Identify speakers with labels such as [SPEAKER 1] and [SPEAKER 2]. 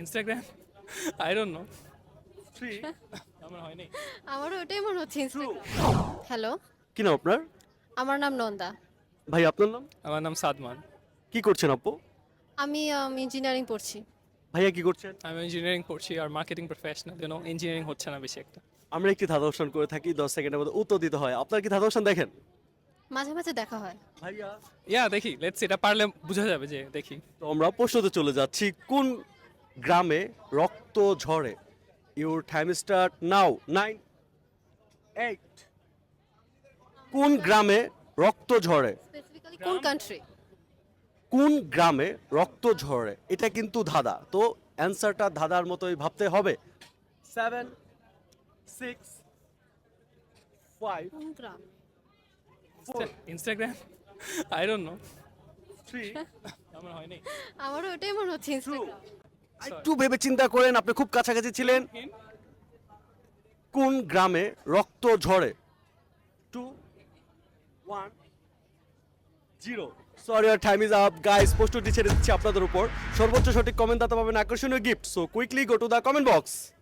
[SPEAKER 1] Instagram I don't know
[SPEAKER 2] three
[SPEAKER 1] আমার হয়নি
[SPEAKER 3] আমারও ওটাই মনে হচ্ছে ইনস্টাগ্রাম। হ্যালো,
[SPEAKER 2] কি নাম আপনার?
[SPEAKER 3] আমার নাম নন্দা।
[SPEAKER 2] ভাই আপনার নাম?
[SPEAKER 1] আমার নাম সাদমান
[SPEAKER 2] কি করছেন আপু?
[SPEAKER 3] আমি ইঞ্জিনিয়ারিং পড়ছি।
[SPEAKER 2] ভাইয়া কি করছেন?
[SPEAKER 1] আমি ইঞ্জিনিয়ারিং পড়ছি আর মার্কেটিং প্রফেশনাল ইঞ্জিনিয়ারিং হচ্ছে না বেশি একটা
[SPEAKER 2] আমরা একটি ধাঁধা অনুষ্ঠান করে থাকি 10 সেকেন্ডের মধ্যে উত্তর দিতে হয়। আপনার কি ধাঁধা অনুষ্ঠান দেখেন?
[SPEAKER 3] মাঝে মাঝে দেখা হয়।
[SPEAKER 2] ভাইয়া
[SPEAKER 1] ইয়া দেখি লেটস এটা পারলে বোঝা যাবে যে দেখি
[SPEAKER 2] তো আমরা প্রশ্নতে চলে যাচ্ছি। কোন গ্রামে রক্ত ঝরে? Your time start now. 9 8 কোন গ্রামে রক্ত ঝরে?
[SPEAKER 3] স্পেসিফিক্যালি কোন কান্ট্রি?
[SPEAKER 2] কোন গ্রামে রক্ত ঝরে? এটা কিন্তু ধাঁধা, তো অ্যান্সারটা ধাঁধার মতোই ভাবতে হবে। 7 6 5
[SPEAKER 3] কোন গ্রাম?
[SPEAKER 2] 4
[SPEAKER 1] ইনস্টাগ্রাম আই ডোন্ট নো
[SPEAKER 2] 3
[SPEAKER 1] আমার হয়নি
[SPEAKER 3] আমারও ওটাই মনে হচ্ছে ইনস্টাগ্রাম।
[SPEAKER 2] একটু ভেবে চিন্তা করেন, আপনি খুব কাছাকাছি ছিলেন। কোন গ্রামে রক্ত ঝরে? 2 1 0 সরি, আর টাইম ইজ আপ গাইস। প্রশ্নটি ছেড়ে দিচ্ছি আপনাদের উপর। সর্বোচ্চ সঠিক কমেন্ট দাতা পাবেন আকর্ষণীয় gift. So quickly go to the comment box.